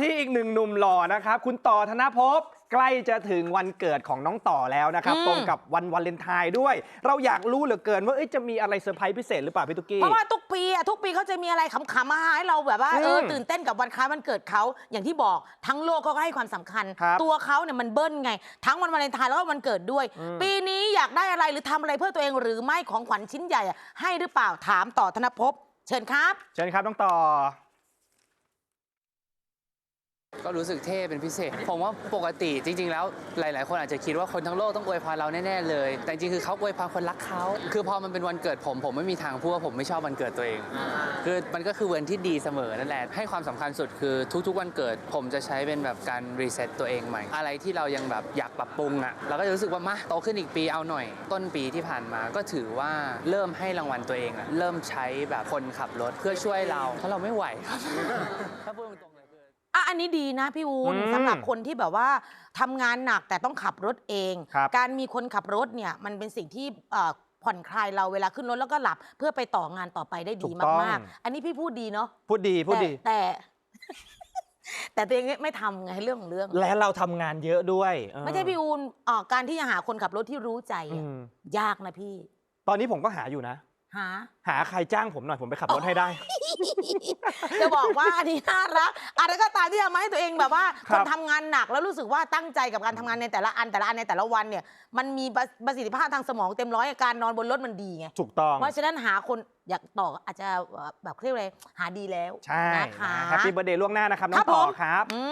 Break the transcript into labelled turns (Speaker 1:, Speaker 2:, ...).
Speaker 1: ที่อีกหนึ่งหนุ่มหล่อนะครับคุณต่อธนภพใกล้จะถึงวันเกิดของน้องต่อแล้วนะครับตรงกับวันวาเลนไทน์ด้วยเราอยากรู้เหลือเกินว่าจะมีอะไรเซอร์ไพรส์พิเศษหรือเปล่าพี่ตุ๊กกี้
Speaker 2: เพราะว่าทุกปีเขาจะมีอะไรขำๆมาให้เราแบบว่าตื่นเต้นกับวันคล้ายวันเกิดเขาอย่างที่บอกทั้งโลกเขาก็ให้ความสำคัญตัวเขาเนี่ยมันเบิ้ลไงทั้งวันวาเลนไทน์แล้วก็วันเกิดด้วยปีนี้อยากได้อะไรหรือทำอะไรเพื่อตัวเองหรือไม่ของขวัญชิ้นใหญ่ให้หรือเปล่าถามต่อธนภพเชิญครับ
Speaker 1: น้องต่อ
Speaker 3: ก็รู้สึกเท่เป็นพิเศษผมว่าปกติจริงๆแล้วหลายๆคนอาจจะคิดว่าคนทั้งโลกต้องอวยพรเราแน่ๆเลยแต่จริงๆคือเขาอวยพรคนรักเขาคือพอมันเป็นวันเกิดผมไม่มีทางพูดว่าผมไม่ชอบวันเกิดตัวเองคือมันก็คือวันที่ดีเสมอนั่นแหละให้ความสำคัญสุดคือทุกๆวันเกิดผมจะใช้เป็นแบบการรีเซ็ตตัวเองใหม่อะไรที่เรายังแบบอยากปรับปรุงเราก็จะรู้สึกว่ามาโตขึ้นอีกปีเอาหน่อยต้นปีที่ผ่านมาก็ถือว่าเริ่มให้รางวัลตัวเองเริ่มใช้แบบคนขับรถเพื่อช่วยเราเพราะเราไม่ไหวครับถ้าพูดตรง
Speaker 2: อันนี้ดีนะพี่วูนสำหรับคนที่แบบว่าทำงานหนักแต่ต้องขับรถเองการมีคนขับรถเนี่ยมันเป็นสิ่งที่ผ่อนคลายเราเวลาขึ้นรถแล้วก็หลับเพื่อไปต่องานต่อไปได้ดีมากๆอันนี้พี่พูดดีเนาะ
Speaker 1: พูดดี
Speaker 2: แต่ตัวเองไม่ทำไงเรื่องของเรื่อง
Speaker 1: และเราทำงานเยอะด้วย
Speaker 2: ไม่ใช่พี่วูนการที่จะหาคนขับรถที่รู้ใจยากนะพี่
Speaker 1: ตอนนี้ผมก็หาอยู่นะหาใครจ้างผมหน่อยผมไปขับรถให้ได้
Speaker 2: จะบอกว่าอันนี้น่ารักอะไรก็ตามที่ทำให้ตัวเองแบบว่าคนทำงานหนักแล้วรู้สึกว่าตั้งใจกับการทำงานในแต่ละอันในแต่ละวันเนี่ยมันมีประสิทธิภาพทางสมองเต็มร้อยการนอนบนรถมันดีไง
Speaker 1: ถูกต้อง
Speaker 2: เพราะฉะนั้นหาคนอยากต่ออาจจะแบบเรียกอะไรหาดีแล้ว
Speaker 1: ใช่นะคะแฮปปี้เบิร์ธเดย์ล่วงหน้านะครับน้องต่อครับ